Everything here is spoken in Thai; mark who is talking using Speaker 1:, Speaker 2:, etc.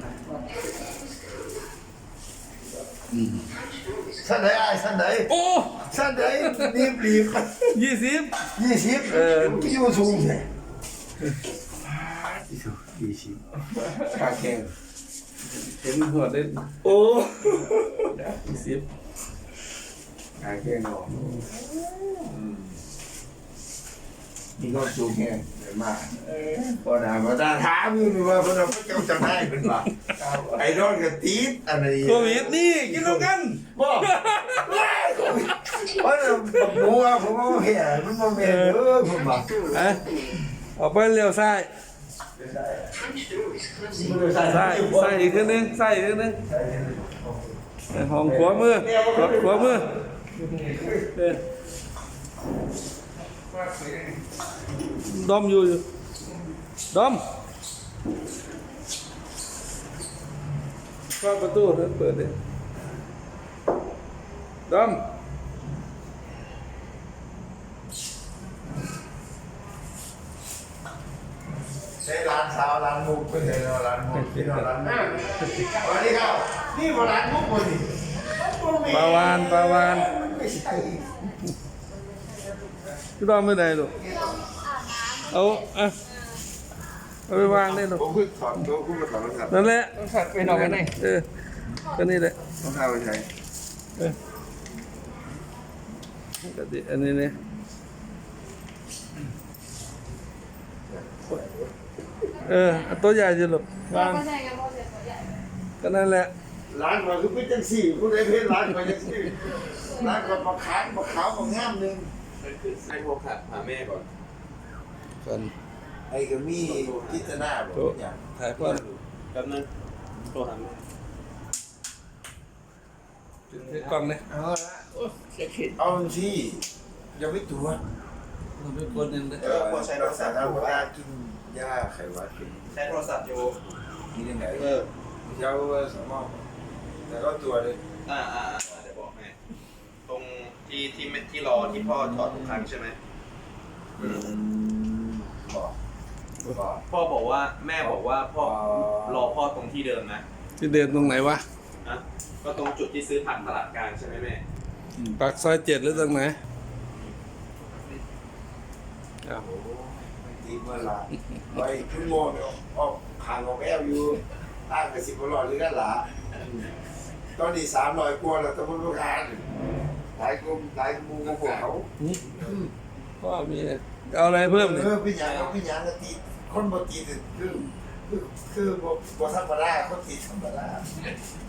Speaker 1: สั้นไหนไอ้สั้นไหน
Speaker 2: โอ้
Speaker 1: สั้นไหนรีบ
Speaker 2: 20
Speaker 1: 20กี่มันสูงเนี่ย20ขาแข็ง
Speaker 2: เห็นหัวเล่น
Speaker 1: โอ้
Speaker 2: 20
Speaker 1: ขาแข็งเนาะนี่ก็สูงแข็งเดี๋ยวมาพอหนามาตาถามอยู่ว่าพวกเราเจ้าจำได้เป็นป่ะไอ้รอดกับตีดอะไร
Speaker 2: โควิดนี่กินแล้วกัน
Speaker 1: บอกเพราะผมว่าผมเห็นมันไม่เห็นผมบอก
Speaker 2: ออกไปเลี้ยวซ้ายซ้ายอีกขึ้นนึงซ้ายอีกขึ้นนึงห้องขวามือขวามือดอมอยู่ดอมเข้าประตูเปิดดิดอม
Speaker 1: ใช้ร้านสาวร้านมุกไม่ใช่ร้านมุกที่ร้านมุกวันนี้ครับนี่มาร้านมุกคนนี้
Speaker 2: ปลาวาน
Speaker 1: ไม่ใช่
Speaker 2: พี่ดอมไม่ได้หรอกเอาไปวางได้หรอก
Speaker 1: ผมเพิ่งถอดตัวคู่กับถอดรองเท้า
Speaker 2: นั่นแหละ
Speaker 3: ไปนอนกันไหน
Speaker 2: ก็นี่แหละ
Speaker 1: รองเท้าไปใช้
Speaker 2: ก็ดิอันนี้เนี่ยตัวใหญ่จะหลบวาง
Speaker 4: ก็ใช่ไงเพราะเด็กตัวใหญ่
Speaker 2: ก็นั่นแหละ
Speaker 1: ร้านก่อนคือเป็นจังสี่ผู้ใดเพชรร้านก่อนจังสี่ร้านก่อนมาขายมาขาวมางามนึง
Speaker 3: ให้โทรขัดหาแม่ก่อน
Speaker 2: กัน
Speaker 1: ไอ้ก็มีกิจนาบอกอย่าง
Speaker 2: ถ่ายพ่อ
Speaker 3: แป๊บนึงโทรหาแม่
Speaker 2: กล้องเนี่ย
Speaker 1: เอาละเอาที่ยังไม่ตัว
Speaker 2: เราเป็นคนหนึ่งเลย
Speaker 1: พอใช้รักษาทางว่ากินยาไขหวัดกิน
Speaker 3: ใช้โทรศัพท์อยู่
Speaker 1: กินยังไงเจ้าสมองแต่ก็ตัวเลย
Speaker 3: เดี๋ยวบอกแม่ตรงที่รอที่พ่อถอดทุกครั้งใช่ไหม
Speaker 1: บอก
Speaker 3: พ่อบอกว่าแม่บอกว่าพ่อรอพ่อตรงที่เดิมนะ
Speaker 2: ที่เดินตรงไหนวะ
Speaker 3: นะก็ตรงจุดที่ซื้อผักตลาดกลางใช่ไหมแม่
Speaker 2: ปากซอย7หรือตรงไหน
Speaker 1: ตีเมื่อไรไปขึ้นโมงออกห่างออกแอลอยู่ต่างกับ10 หรือกันหล่ะตอนนี้300 กว่าแล้วต้องรู้งานหลายกลุ่มหลายหมู่ของพวกเขา
Speaker 2: พ่อมีเอาอะไรเพิ่มเนี่ย
Speaker 1: พี่ยังก็ตีคนบ่ตีคือบ่ธรรมดาคนตีธรรมดา